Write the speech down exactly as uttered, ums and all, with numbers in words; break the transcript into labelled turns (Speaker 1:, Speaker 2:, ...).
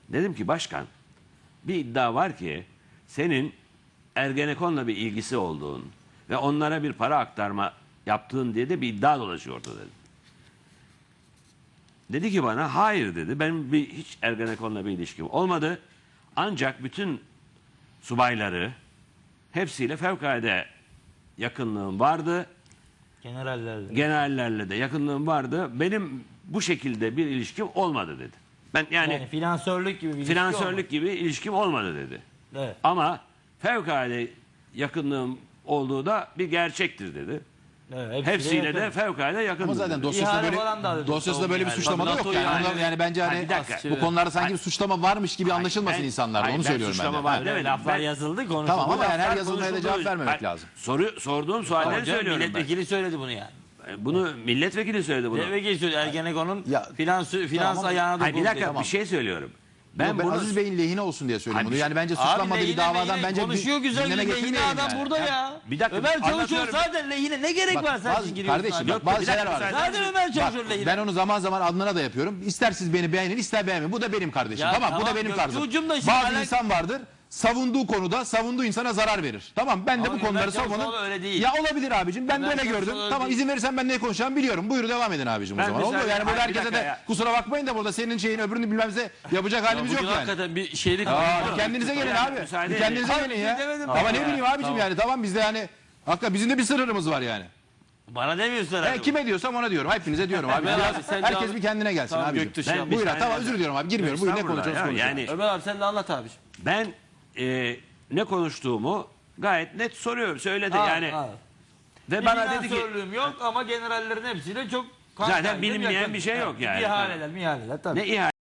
Speaker 1: Dedim ki başkan, bir iddia var ki senin Ergenekon'la bir ilgisi olduğun ve onlara bir para aktarma yaptığın diye de bir iddia dolaşıyordu dedi. Dedi ki bana hayır dedi. Benim bir, hiç Ergenekon'la bir ilişkim olmadı. Ancak bütün subayları hepsiyle fevkalade yakınlığım vardı.
Speaker 2: Generallerle.
Speaker 1: Generallerle de yakınlığım vardı. Benim bu şekilde bir ilişkim olmadı dedi. Ben yani,
Speaker 2: Yani finansörlük gibi bir ilişki
Speaker 1: finansörlük
Speaker 2: olmadı.
Speaker 1: gibi ilişkim olmadı dedi.
Speaker 2: Evet.
Speaker 1: Ama fevkalade yakınlığım olduğu da bir gerçektir dedi.
Speaker 2: Evet,
Speaker 1: Hepsiyle
Speaker 2: yakın.
Speaker 1: de fevkalade yakındır.
Speaker 3: Ama zaten
Speaker 1: dedi.
Speaker 3: dosyasında
Speaker 2: İhale
Speaker 3: böyle,
Speaker 2: falan da alıyor.
Speaker 3: dosyasında böyle bir
Speaker 2: Yani.
Speaker 3: suçlama da yok
Speaker 2: Tabii
Speaker 3: yani.
Speaker 2: NATO'yu
Speaker 3: Onlar- yani bence
Speaker 1: Ha,
Speaker 3: hani
Speaker 1: bir dakika.
Speaker 3: bu konularda sanki bir
Speaker 1: Hayır.
Speaker 3: suçlama varmış gibi anlaşılmasın
Speaker 1: Ben-
Speaker 3: insanlarda.
Speaker 1: hayır,
Speaker 3: Onu
Speaker 1: ben
Speaker 3: söylüyorum ben de.
Speaker 1: suçlama var
Speaker 2: Öyle
Speaker 1: demedim.
Speaker 2: laflar
Speaker 1: Ben-
Speaker 2: yazıldı konuşuldu.
Speaker 3: Tamam ama
Speaker 2: Bu
Speaker 3: yani her
Speaker 2: laflar
Speaker 3: yazılmaya da
Speaker 1: konuşuldu.
Speaker 3: cevap vermemek
Speaker 1: Hayır,
Speaker 3: lazım.
Speaker 1: Soru, sorduğum sualleri
Speaker 2: Hocam,
Speaker 1: söylüyorum ben.
Speaker 2: milletvekili söyledi bunu yani.
Speaker 1: Bunu milletvekili söyledi bunu.
Speaker 2: Milletvekili söyledi. Ergenekon'un
Speaker 3: Ya-
Speaker 2: finans, finans
Speaker 3: Tamam.
Speaker 2: ayağına
Speaker 1: Hayır, bir
Speaker 2: dokundu.
Speaker 1: dakika
Speaker 2: Tamam.
Speaker 1: bir şey söylüyorum.
Speaker 3: Ben,
Speaker 1: Ben
Speaker 3: ben
Speaker 1: bunu
Speaker 3: Aziz Bey'in lehine olsun diye söylüyorum
Speaker 1: Hayır,
Speaker 3: bunu.
Speaker 1: bir
Speaker 3: Yani
Speaker 1: şey-
Speaker 3: bence
Speaker 2: Abi
Speaker 3: suçlanmadığı bir
Speaker 2: lehine
Speaker 3: davadan
Speaker 2: lehine
Speaker 3: bence
Speaker 2: konuşuyor güzel
Speaker 3: gündeme
Speaker 2: güzel lehine
Speaker 3: getirmeyelim
Speaker 2: adam
Speaker 3: yani.
Speaker 2: burada
Speaker 3: Ha?
Speaker 2: ya.
Speaker 1: Bir dakika,
Speaker 2: Ömer Çavuşoğlu
Speaker 1: anlatıyorum.
Speaker 2: zaten lehine ne gerek
Speaker 3: Bak,
Speaker 2: var sen
Speaker 3: bazı-
Speaker 2: şimdi giriyorsun
Speaker 3: kardeşim
Speaker 2: abi?
Speaker 3: bak bazı
Speaker 1: bir
Speaker 3: şeyler
Speaker 1: dakika,
Speaker 3: var.
Speaker 1: müsaade
Speaker 2: Zaten Ömer Çavuşoğlu lehine.
Speaker 3: Ben onu zaman zaman Adnan'a da yapıyorum. İster siz beni beğenin ister beğenmeyin. Bu da benim kardeşim.
Speaker 2: Ya
Speaker 3: tamam, bu da
Speaker 2: tamam,
Speaker 3: benim
Speaker 2: Gökçe
Speaker 3: tarzım.
Speaker 2: Ucum da şimdi
Speaker 3: Bazı
Speaker 2: alak-
Speaker 3: insan vardır. Savunduğu konuda savunduğu insana zarar verir. Tamam, ben de
Speaker 2: Ama
Speaker 3: bu konuları
Speaker 2: Ömer Çavuşoğlu
Speaker 3: savunun.
Speaker 2: öyle değil.
Speaker 3: Ya olabilir abicim. Ben
Speaker 2: Ömer
Speaker 3: böyle
Speaker 2: Çavuşoğlu
Speaker 3: gördüm.
Speaker 2: öyle
Speaker 3: Tamam,
Speaker 2: değil.
Speaker 3: izin verirsen ben ne konuşacağımı biliyorum. Buyurun devam edin abicim o
Speaker 1: Ben
Speaker 3: zaman. Oldu mu?
Speaker 1: müsaade-
Speaker 3: Yani burada
Speaker 1: Hayır, bir
Speaker 3: herkese
Speaker 1: dakika
Speaker 3: de
Speaker 1: ya.
Speaker 3: kusura bakmayın da burada senin şeyin öbürünü bilmemize yapacak halimiz yok
Speaker 2: Bugün
Speaker 3: yani.
Speaker 2: hakikaten bir şeylik
Speaker 3: Aa, bir kendinize gelin abi.
Speaker 1: müsaade
Speaker 3: Bir
Speaker 1: edin.
Speaker 3: kendinize
Speaker 2: Hayır,
Speaker 3: gelin
Speaker 2: bir
Speaker 3: ya.
Speaker 2: şey demedim.
Speaker 3: Ama
Speaker 2: Tamam
Speaker 3: ne
Speaker 2: ya.
Speaker 3: bileyim abicim
Speaker 2: Tamam.
Speaker 3: yani. Tamam, bizde yani hakikaten bizim de bir sınırımız var yani.
Speaker 2: Bana demiyorsun
Speaker 3: Ben
Speaker 2: herhalde.
Speaker 3: kime diyorsam ona diyorum. Hepinize diyorum abi.
Speaker 2: Ömer
Speaker 3: Biraz-
Speaker 2: abi, sen
Speaker 3: herkes
Speaker 2: devam-
Speaker 3: bir kendine gelsin
Speaker 2: Tamam,
Speaker 3: abi.
Speaker 2: Göktuş
Speaker 1: Ben
Speaker 2: ya.
Speaker 1: bir
Speaker 3: Buyur
Speaker 1: saniye-
Speaker 3: tamam, özür diliyorum abi. Girmiyorum. Buyur, ne
Speaker 1: Estağfurullah
Speaker 3: konuşuyoruz
Speaker 1: ya,
Speaker 3: konuşalım.
Speaker 1: yani
Speaker 2: Ömer abi sen de anlat abi.
Speaker 1: ben e, ne konuştuğumu gayet net soruyorum. Söyledi
Speaker 2: Ha,
Speaker 1: yani.
Speaker 2: ha.
Speaker 1: Ve
Speaker 2: Bir
Speaker 1: bana dedi ki
Speaker 2: finansörlüğüm yok ama generallerin hepsiyle çok...
Speaker 1: Zaten
Speaker 2: kanka,
Speaker 1: bilinmeyen
Speaker 2: yakın.
Speaker 1: bir şey yok yani.
Speaker 2: İhaleler, mihaleler tabii.
Speaker 1: ne ihale